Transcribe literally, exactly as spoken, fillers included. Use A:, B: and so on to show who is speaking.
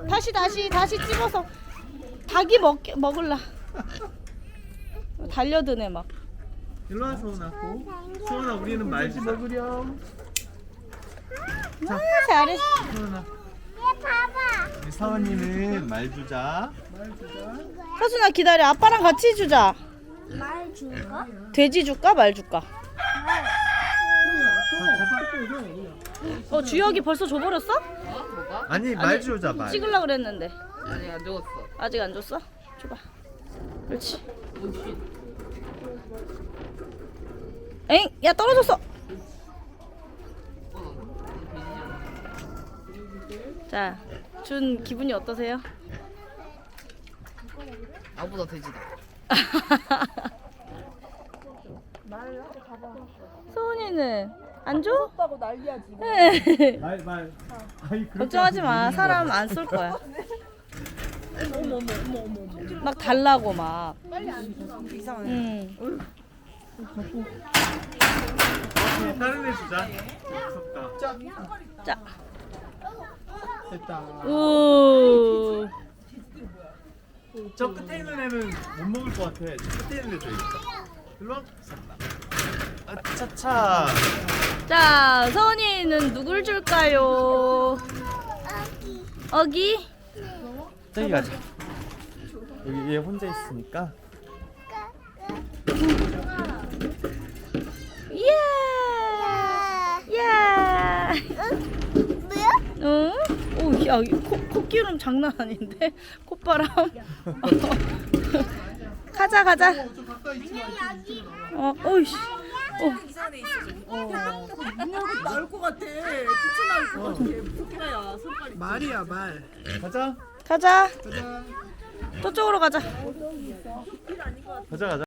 A: 다시 다시 다시 집어서 닭이 먹 먹을라. 달려드네 막.
B: 일로 와 서원아. 서원아 우리는 말지 먹으렴.
A: 아, 잘했어.
B: 서원아.
C: 얘 봐봐.
B: 우리 서원이는 말 주자.
A: 서준아 기다려. 아빠랑 같이 주자.
C: 말 줄까?
A: 돼지 줄까 말 줄까? 어 주혁이 벌써 줘버렸어?
D: 어? 뭐가?
B: 아니 말 주자 말.
A: 찍으려 그랬는데
D: 아니 안 죽었어.
A: 아직 안 줬어? 줘봐. 그렇지.
D: 오씨.
A: 엥? 야 떨어졌어. 자, 준 기분이 어떠세요?
D: 나보다 돼지다.
A: 소은이는 안 줘?
E: 없다고 난리야 지금.
B: 말 말. 아이, 그렇게
A: 걱정하지 마.
B: 하지
A: 사람 안 쏠 거야.
E: 어머 어머 어머 어머 어머.
A: 막 달라고 막.
E: 이상해.
A: 응.
B: 다른 애 주자. 무섭다.
A: 자.
B: 됐다.
A: 우.
B: 저 끝에 있는 애는 못 먹을 것 같아. 저 끝에 있는 애 줘야겠다. 일로 와. 아, 차차.
A: 자, 서은이는 누굴 줄까요? 어기.
B: 저기 가자. 여기 얘 혼자 있으니까.
A: 예. 예.
C: 뭐야?
A: 응? 오, 야, 코, 코기름 장난 아닌데? 콧바람. 가자, 가자. 어, 오이씨. 어.
E: 이상해 있어 지금. 어. 문 열고 나올 것 같아. 튀쳐나올 것 같아. 토끼야 손가락이. 말이야 말.
B: 가자.
A: 가자.
B: 가자.
A: 저쪽으로 가자.
B: 가자 가자.